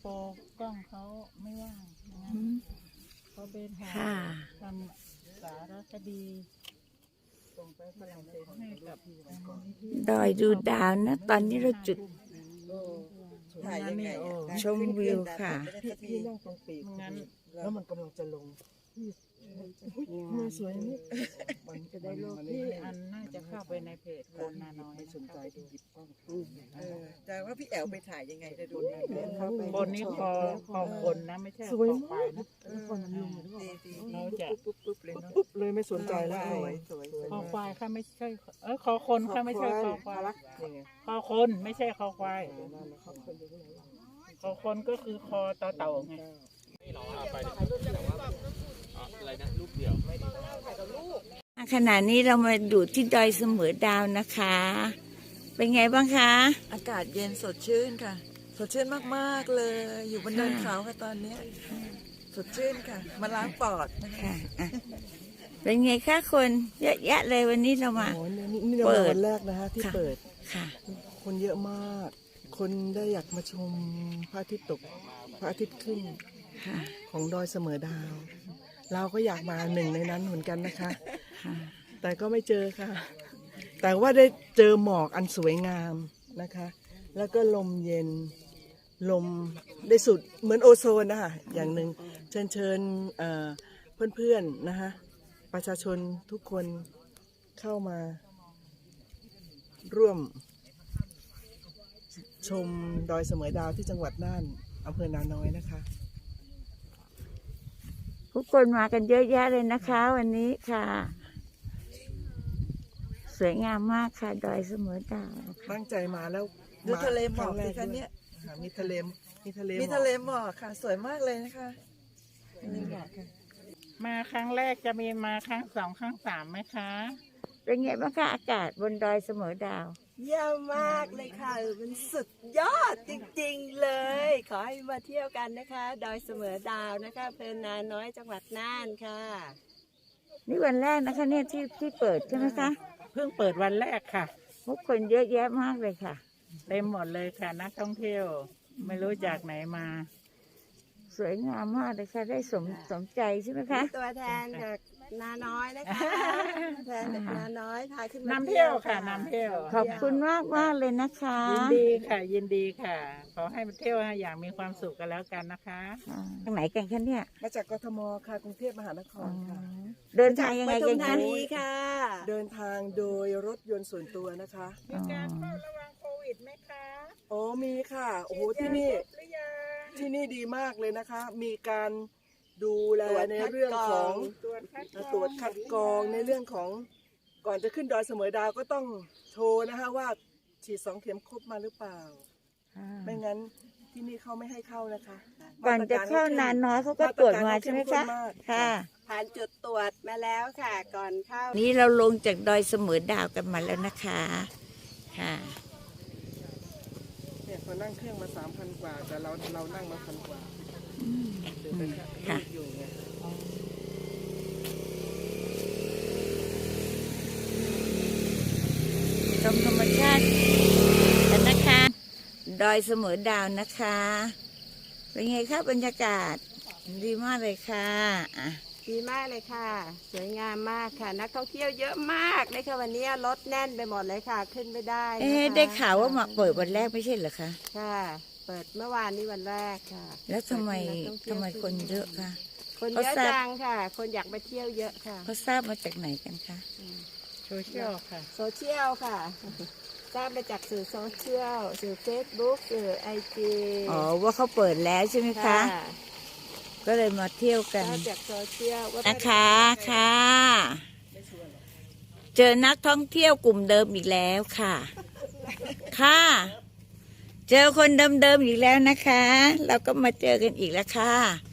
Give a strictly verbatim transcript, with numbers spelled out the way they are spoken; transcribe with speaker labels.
Speaker 1: โปรกล้องเขาไม่ว่างนะเขาเป็นถ่ายทำสารคดีส่งไปฝรั่งเศสให้กับ
Speaker 2: ดอยดูดาวนะตอนนี้เราจุด
Speaker 3: ถ่ายยังไง
Speaker 2: ชมวิวค่ะ
Speaker 3: พี่นั่งตรงปีกงั้นแล้วมันกำลังจะลงมือสวยนี่มันจะได้โลก
Speaker 1: ที่อันน่าจะเข้าไปในเพจคนนาน้อย
Speaker 3: ไม่สนใจดูหยิบกล้องแต่ว่าพี่แอลไปถ่ายยังไงจะดู
Speaker 1: บนนี้คอคอคนนะไม่ใช่คอควายนะเราจะ
Speaker 3: ปุ๊บปุ๊บเลยปุ๊บเลยไม่สนใจแล้ว
Speaker 1: คอควายค่ะไม่ใช่เออคอคนค่ะไม่ใช่คอควายคอคนไม่ใช่คอควายคอคนก็คือคอต่อเต่าไง
Speaker 2: ขณะนี้เรามาอยู่ที่ดอยเสมอดาวนะคะ เป็นไงบ้างคะ
Speaker 3: อากาศเย็นสดชื่นค่ะสดชื่นมากๆเลยอยู่บนเนินเขาค่ะตอนนี้สดชื่นค่ะมาล้างปอด
Speaker 2: ค่ะเป็นไงคะคนเยอะแยะเลยวันนี้เรามา
Speaker 3: เปิดวันแรกนะฮะที่เปิด
Speaker 2: ค่ะ
Speaker 3: คนเยอะมากคนได้อยากมาชมพระอาทิตย์ตกพระอาทิตย์ขึ้นของดอยเสมอดาวเราก็อยากมาหนึ่งในนั้นเหมือนกันนะคะแต่ก็ไม่เจอค่ะแต่ว่าได้เจอหมอกอันสวยงามนะคะแล้วก็ลมเย็นลมได้สุดเหมือนโอโซนนะคะอย่างหนึ่งเชิญเชิญเพื่อนๆนะคะประชาชนทุกคนเข้ามาร่วมชมดอยเสมอดาวที่จังหวัดน่านอำเภอนาน้อยนะคะ
Speaker 2: ทุกคนมากันเยอะแยะเลยนะคะวันนี้ค่ะสวยงามมากค่ะดอยเสมอดาว
Speaker 3: ตั้งใจมาแล้ว
Speaker 4: ดูทะเลหมอกสิคะเนี่ย
Speaker 3: มีทะเลมีทะเล
Speaker 4: มีทะเลหมอกค่ะสวยมากเลยนะคะนี่หมอกค่ะ
Speaker 1: มาครั้งแรกจะมีมาครั้งสองครั้งสามไหมคะ
Speaker 2: เป็นไงบ้างคะอากาศบนดอยเสมอดาว
Speaker 4: เยี่ยมมากเลยค่ะมันสุดยอดจริงๆเลยขอให้มาเที่ยวกันนะคะดอยเสมอดาวนะคะอำเภอนาน้อยจังหวัดน่านค่ะ
Speaker 2: นี่วันแรกนะคะเนี่ยที่ที่เปิดใช่ไหมคะ
Speaker 1: เพิ่งเปิดวันแรกค่ะ
Speaker 2: ทุกคนเยอะแยะมากเลยค่ะ
Speaker 1: เต็มหมดเลยค่ะนักท่องเที่ยวไม่รู้จากไหนมา
Speaker 2: สวยงามมากเลยค่ะได้สมสมใจใช่ไหมคะ
Speaker 4: ตัวแทนจากนาน้อยนะคะแทนจากนาน้อยพาขึ้นมาน
Speaker 1: ำเที่ยวค่ะนำเที่ยว
Speaker 2: ขอบคุณมากมากเลยนะคะ
Speaker 1: ยินดีค่ะยินดีค่ะขอให้มาเที่ยวอย่างมีความสุขกันแล้วกันนะคะ
Speaker 2: ทางไหนกันคะเนี่ย
Speaker 3: มาจากกทมค่ะกรุงเทพมหานครค่ะ
Speaker 2: เดินทางยังไงกันคะ
Speaker 4: ค่ะ
Speaker 3: เดินทางโดยรถยนต์ส่วนตัวนะคะ
Speaker 1: มีการเฝ้าระวังโควิดไหมคะ
Speaker 3: อ๋อมีค่ะโอ้โหที่นี่ที่นี่ดีมากเลยนะคะมีการดูแลในเรื่องของตรวจคัดกรองในเรื่องของก่อนจะขึ้นดอยเสมอดาวก็ต้องโชว์นะคะว่าฉีดสองเข็มครบมาหรือเปล่าไม่งั้นที่นี่เขาไม่ให้เข้านะคะ
Speaker 2: ก่อนจะเข้านานน้อยเขาก็ตรวจมาใช่ไหมคะค่ะ
Speaker 4: ผ่านจุดตรวจมาแล้วค่ะก่อนเข้า
Speaker 2: นี้เราลงจากดอยเสมอดาวกันมาแล้วนะคะค่ะ
Speaker 3: เนี่ยพอนั่งเครื่องมาสามพันกว่าแต่เราเรานั่งมาพันกว่า
Speaker 2: ค่ะชมธรรมชาติกันนะคะดอยเสมอดาวนะคะเป็นไงคะบรรยากาศดีมากเลยค่ะ
Speaker 4: ดีมากเลยค่ะสวยงามมากค่ะนักท่องเที่ยวเยอะมากเลยค่ะวันนี้รถแน่นไปหมดเลยค่ะขึ้นไม่ได้
Speaker 2: เอ๊ะได้ข่าวว่ามาเปิดวันแรกไม่ใช่เหรอคะ
Speaker 4: ค่ะเปิดเมื่อวานนี้วันแรกค่ะ
Speaker 2: แล้วทำไมทำไมคนเยอะคะ
Speaker 4: คนเยอะจังค่ะคนอยากไปเที่ยวเยอะค่ะ
Speaker 2: เขาทราบมาจากไหนกันคะ
Speaker 1: โซเชียลค่ะ
Speaker 4: โซเชียลค่ะทราบมาจากสื่อโซเชียลสื่อเฟซบุ๊กสื่อไอจี
Speaker 2: อ๋อว่าเขาเปิดแล้วใช่ไหมคะก็เลยมาเที่ยวกัน
Speaker 4: จากโซเชียล
Speaker 2: นะคะค่ะเจอนักท่องเที่ยวกลุ่มเดิมอีกแล้วค่ะค่ะเจอคนเดิมๆอีกแล้วนะคะเราก็มาเจอกันอีกแล้วค่ะ